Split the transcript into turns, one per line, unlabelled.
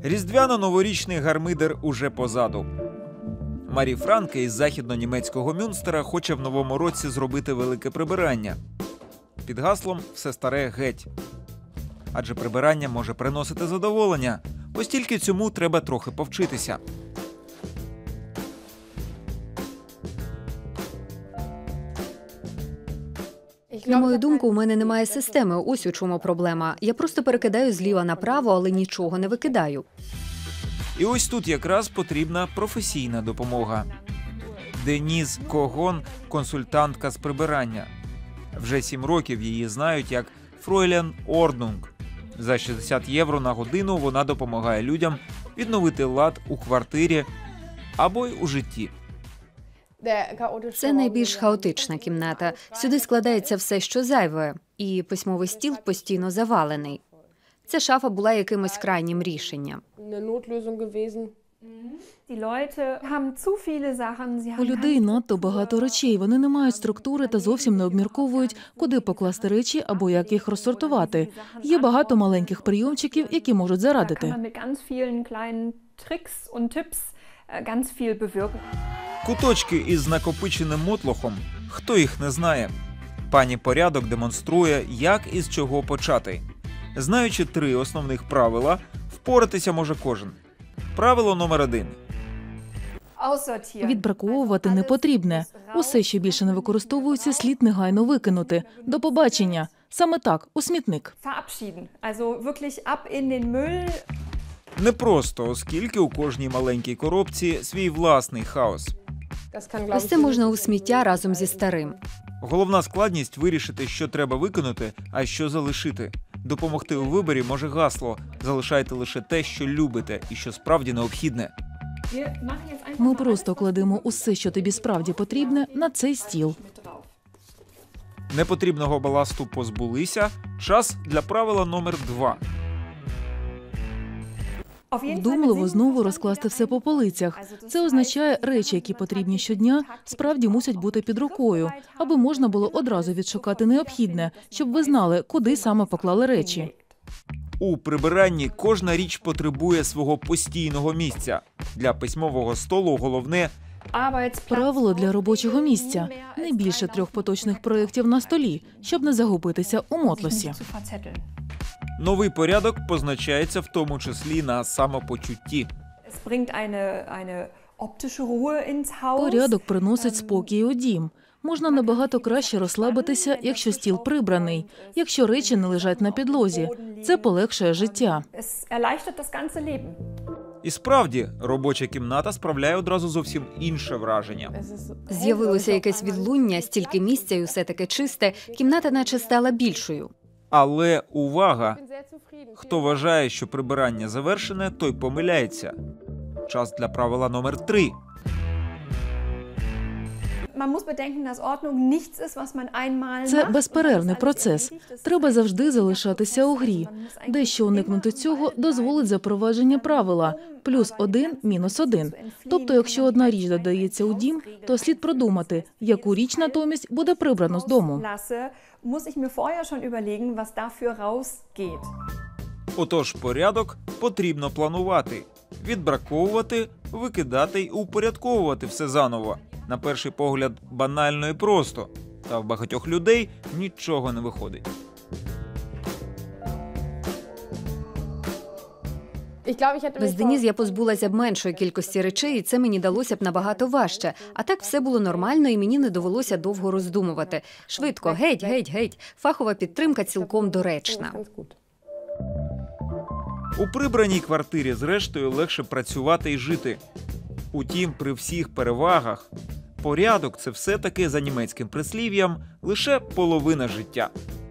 Різдвяно-новорічний гармидер уже позаду. Марі Франке із західно-німецького Мюнстера хоче в новому році зробити велике прибирання. Під гаслом «Все старе геть». Адже прибирання може приносити задоволення. Ось тільки цьому треба трохи повчитися.
На мою думку, у мене немає системи, ось у чому проблема. Я просто перекидаю зліва направо, але нічого не викидаю.
І ось тут якраз потрібна професійна допомога. Деніс Когон – консультантка з прибирання. Вже 7 років її знають як Фройлян Орднунг. За 60 євро на годину вона допомагає людям відновити лад у квартирі або й у житті.
Це найбільш хаотична кімната. Сюди складається все, що зайве, і письмовий стіл постійно завалений. Ця шафа була якимось крайнім рішенням.
У людей надто багато речей. Вони не мають структури та зовсім не обмірковують, куди покласти речі або як їх розсортувати. Є багато маленьких прийомчиків, які можуть зарадити.
Куточки із накопиченим мотлохом – хто їх не знає? Пані Порядок демонструє, як і з чого почати. Знаючи 3 основних правила, впоратися може кожен. Правило номер 1.
Відбраковувати не потрібне. Усе, що більше не використовується, слід негайно викинути. До побачення. Саме так, у смітник.
Непросто, оскільки у кожній маленькій коробці свій власний хаос.
Ось це можна у сміття разом зі старим.
Головна складність – вирішити, що треба викинути, а що залишити. Допомогти у виборі може гасло «Залишайте лише те, що любите і що справді необхідне».
Ми просто кладемо усе, що тобі справді потрібне, на цей стіл.
Непотрібного баласту позбулися. Час для правила номер 2.
Вдумливо знову розкласти все по полицях. Це означає, речі, які потрібні щодня, справді мусять бути під рукою, аби можна було одразу відшукати необхідне, щоб ви знали, куди саме поклали речі.
У прибиранні кожна річ потребує свого постійного місця. Для письмового столу головне –
Правило для робочого місця. Не більше 3 поточних проєктів на столі, щоб не загубитися у мотлосі.
новий порядок позначається в тому числі на самопочутті.
Порядок приносить спокій у дім. Можна набагато краще розслабитися, якщо стіл прибраний, якщо речі не лежать на підлозі. Це полегшує життя.
І справді, робоча кімната справляє одразу зовсім інше враження.
З'явилося якесь відлуння, стільки місця і усе таке чисте, кімната наче стала більшою.
Але увага! Хто вважає, що прибирання завершене, той помиляється. Час для правила номер 3.
Це безперервний процес. Треба завжди залишатися у грі. Дещо уникнути цього дозволить запровадження правила +1, -1. Тобто, якщо одна річ додається у дім, то слід продумати, яку річ натомість буде прибрано з дому.
Отож, порядок потрібно планувати. Відбраковувати, викидати й упорядковувати все заново. На перший погляд банально і просто. Та в багатьох людей нічого не виходить.
Без Деніс я позбулася б меншої кількості речей, і це мені далося б набагато важче. А так все було нормально, і мені не довелося довго роздумувати. Швидко, геть, геть, геть. Фахова підтримка цілком доречна.
У прибраній квартирі, зрештою, легше працювати і жити. Утім, при всіх перевагах, порядок – це все-таки, за німецьким прислів'ям, лише половина життя.